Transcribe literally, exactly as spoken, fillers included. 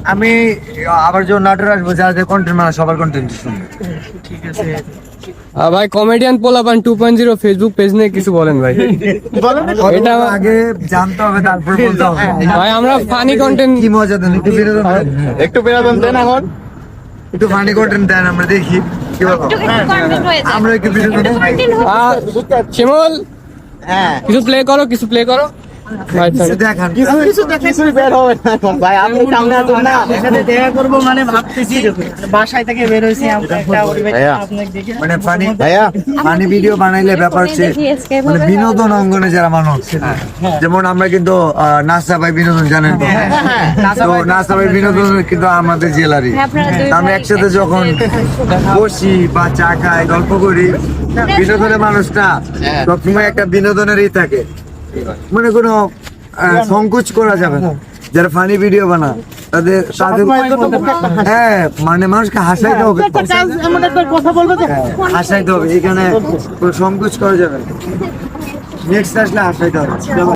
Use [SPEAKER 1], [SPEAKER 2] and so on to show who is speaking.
[SPEAKER 1] আমি আবার যখন নাটোর আসবো, যাদের কন্টেন্ট মানে সবার কন্টেন্ট শুনবো।
[SPEAKER 2] ঠিক আছে
[SPEAKER 3] ভাই কমেডিয়ান পোলাপান two point zero Facebook page নিয়ে কিছু বলেন ভাই।
[SPEAKER 1] এটা আগে জানতে হবে, তারপর বলতে হবে।
[SPEAKER 3] ভাই আমরা ফানি কন্টেন্ট
[SPEAKER 1] কি মজা দেন, একটু বিনোদন দেন।
[SPEAKER 4] একটু বিনোদন দেন এখন।
[SPEAKER 1] একটু ফানি কন্টেন্ট দেন, আমরা দেখি কি বলো। আমরা একটু বিনোদন দেন।
[SPEAKER 3] শিমুল
[SPEAKER 4] হ্যাঁ
[SPEAKER 3] কিছু প্লে করো, কিছু প্লে করো ভাই।
[SPEAKER 1] কিছু দেখান।
[SPEAKER 4] কিছু কিছুই বের হবে না এখন ভাই, আপনি সামনে আসুন না।
[SPEAKER 2] সাথে দেখা করব মানে ভাবতেছি বাসায় থেকে বের হইছি আমরা একটা
[SPEAKER 4] ভাইয়া।
[SPEAKER 2] আপনাকে দেখে
[SPEAKER 1] মানে ফানি
[SPEAKER 4] ভাইয়া
[SPEAKER 1] ফানি ভিডিও বানাইলে ব্যাপার হচ্ছে মানে বিনোদন অঙ্গনে যারা মানুষ, যেমন আমরা কিন্তু আহ, নাসা ভাই বিনোদন জানেন তো, তো নাসা ভাই বিনোদন কিন্তু আমাদের জেলারই। তো আমরা একসাথে যখন বসি বা চা খাই, গল্প করি, বিনোদনের মানুষটা সবসময় একটা বিনোদনেরই থাকে, মানে কোনো আহ, সংকোচ করা যাবে না। যারা ফানি ভিডিও বানা তাদের তাদের হ্যাঁ মানে মানুষকে হাসাইতে হবে,
[SPEAKER 2] কথা বলবো
[SPEAKER 1] হ্যাঁ, হাসাইতে হবে, এখানে কোনো সংকোচ করা যাবে না। নেক্সট আসলে হাসাইতে হবে।